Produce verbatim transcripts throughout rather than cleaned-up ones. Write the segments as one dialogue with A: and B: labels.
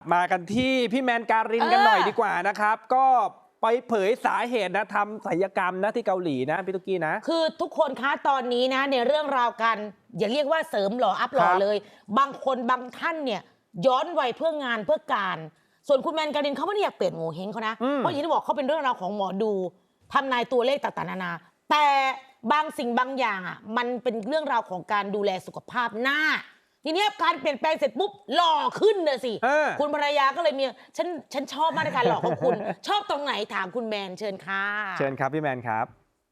A: มากันที่พี่แมนการินกันหน่อยดีกว่านะครับก็ไปเผยสาเหตุนะทำศัลยกรรมนะที่เกาหลีนะพี่ตุ๊กกี้นะ
B: คือทุกคนคะตอนนี้นะในเรื่องราวกันอย่าเรียกว่าเสริมหล่ออัพหล่อเลย บางคนบางท่านเนี่ยย้อนวัยเพื่องานเพื่อการส่วนคุณแมนการินเขาไม่ได้อยากเปลี่ยนโงเฮงเขานะเพราะอย่างที่บอกเขาเป็นเรื่องราวของหมอดูทำนายตัวเลขต่างๆนานาแต่บางสิ่งบางอย่างอ่ะมันเป็นเรื่องราวของการดูแลสุขภาพหน้าทีนี้การเปลี่ยนแปลงเสร็จปุ๊บหล่อขึ้นเลยสิคุณภรรยาก็เลยมีฉันฉันชอบมาตรการหล่อของคุณ ชอบตรงไหนถามคุณแมนเชิญค่ะ
A: เชิญครับพี่แมนครับ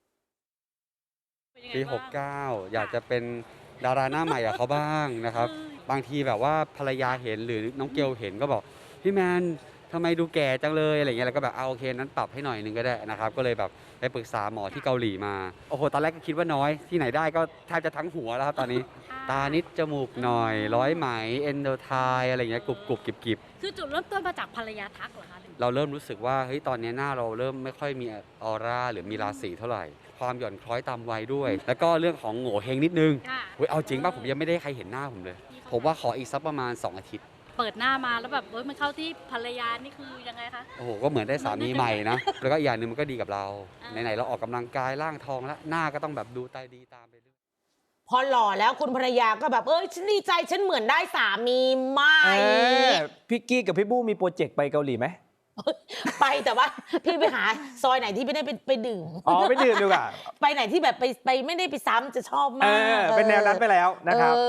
C: ปีหกเก้าอยากจะเป็นดาราหน้าใหม่กับเขาบ้างนะครับบางทีแบบว่าภรรยาเห็นหรือน้องเกลเห็นก็บอกพี่แมนทำไมดูแก่จังเลยอะไรเงี้ยแล้วก็แบบเอาโอเคนั้นปรับให้หน่อยนึงก็ได้นะครับก็เลยแบบไปปรึกษาหมอที่เกาหลีมาโอ้โหตอนแรกก็คิดว่าน้อยที่ไหนได้ก็แทบจะทั้งหัวแล้วครับตอนนี้ตานิดจมูกหน่อยร้อยไหมเอนโดไทอะไรเงี้ยกรุบกรุบกิบกิบ
D: คือจุดเริ่มต้นมาจากภรรยาทักเหรอคะ
C: เราเริ่มรู้สึกว่าเฮ้ยตอนนี้หน้าเราเริ่มไม่ค่อยมีออร่าหรือมีราศีเท่าไหร่ความหย่อนคล้อยตามวัยด้วยแล้วก็เรื่องของโง่เฮงนิดนึงเว้ยเอาจริงป่ะผมยังไม่ได้ใครเห็นหน้าผมเลยผมว่าขออีกสักประมาณสองอาทิตย์
D: เปิดหน้ามาแล้วแบบเฮ้ยมันเข้าที่ภรรยานี่คือยังไงคะ
C: โอ้โหก็เหมือนได้สามีใหม่นะแล้วก็อีกอย่างหนึ่งมันก็ดีกับเราไหนๆเราออกกำลังกายร่างทองแล้วหน้าก็ต้องแบบดูตาดีตามไปด้วย
B: พอหล่อแล้วคุณภรรยาก็แบบเอ้ยฉันดีใจฉันเหมือนได้สามีใหม่
A: พี่กี้กับพี่บู้มีโปรเจกต์ไปเกาหลีไหม
B: ไปแต่ว่าพี่ไปหาซอยไหนที่ไม่ได้ไปไปดื่ม
A: อ๋อไปดื่มดีกว่า
B: ไปไหนที่แบบไปไปไม่ได้ไปซ้ำจะชอบมาก
A: เป็นแนวนั้นไปแล้วนะครับ